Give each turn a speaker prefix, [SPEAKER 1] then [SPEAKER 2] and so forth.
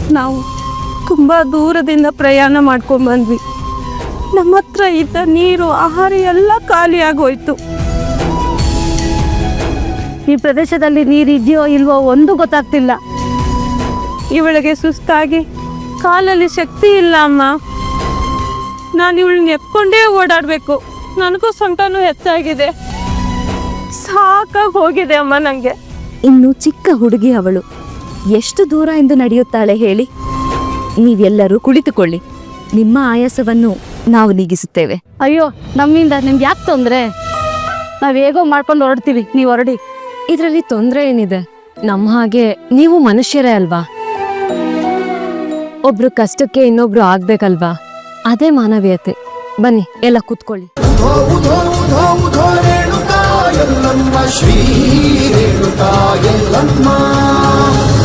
[SPEAKER 1] ನಾವು ತುಂಬ ದೂರದಿಂದ ಪ್ರಯಾಣ ಮಾಡ್ಕೊಂಡ್ಬಂದ್ವಿ. ನಮ್ಮ ಹತ್ರ ಇದ್ದ ನೀರು ಆಹಾರ ಎಲ್ಲ ಖಾಲಿಯಾಗೋಯ್ತು.
[SPEAKER 2] ಈ ಪ್ರದೇಶದಲ್ಲಿ ನೀರಿದೆಯೋ ಇಲ್ವೋ ಒಂದು ಗೊತ್ತಾಗ್ತಿಲ್ಲ.
[SPEAKER 1] ಇವಳಿಗೆ ಸುಸ್ತಾಗಿ ಕಾಲಲ್ಲಿ ಶಕ್ತಿ ಇಲ್ಲ ಅಮ್ಮ. ನಾನು ಇವಳನ್ನ ಎತ್ಕೊಂಡೇ ಓಡಾಡಬೇಕು. ನನಗೂ ಸೊಂಟನೂ ಹೆಚ್ಚಾಗಿದೆ. ಸಾಕಾಗಿ ಹೋಗಿದೆ ಅಮ್ಮ ನನಗೆ.
[SPEAKER 3] ಇನ್ನು ಚಿಕ್ಕ ಹುಡುಗಿ ಅವಳು ಎಷ್ಟು ದೂರ ಎಂದು ನಡೆಯುತ್ತಾಳೆ ಹೇಳಿ? ನೀವೆಲ್ಲರೂ ಕುಳಿತುಕೊಳ್ಳಿ, ನಿಮ್ಮ ಆಯಾಸವನ್ನು ನಾವು ನೀಗಿಸುತ್ತೇವೆ.
[SPEAKER 2] ಅಯ್ಯೋ, ನಮ್ಮಿಂದ ನಿಮ್ಗೆ ಯಾಕೆ ತೊಂದರೆ? ನಾವು ಹೇಗೋ ಮಾಡ್ಕೊಂಡು ಹೊರಡ್ತೀವಿ, ನೀವು ಹೊರಡಿ.
[SPEAKER 3] ಇದರಲ್ಲಿ ತೊಂದರೆ ಏನಿದೆ? ನಮ್ಮ ಹಾಗೆ ನೀವು ಮನುಷ್ಯರೇ ಅಲ್ವಾ? ಒಬ್ರು ಕಷ್ಟಕ್ಕೆ ಇನ್ನೊಬ್ರು ಆಗ್ಬೇಕಲ್ವಾ? ಅದೇ ಮಾನವೀಯತೆ. ಬನ್ನಿ, ಎಲ್ಲ ಕೂತ್ಕೊಳ್ಳಿ.
[SPEAKER 4] ಶ್ರೀ ರೇಣುಕಾ ಎಲ್ಲಮ್ಮ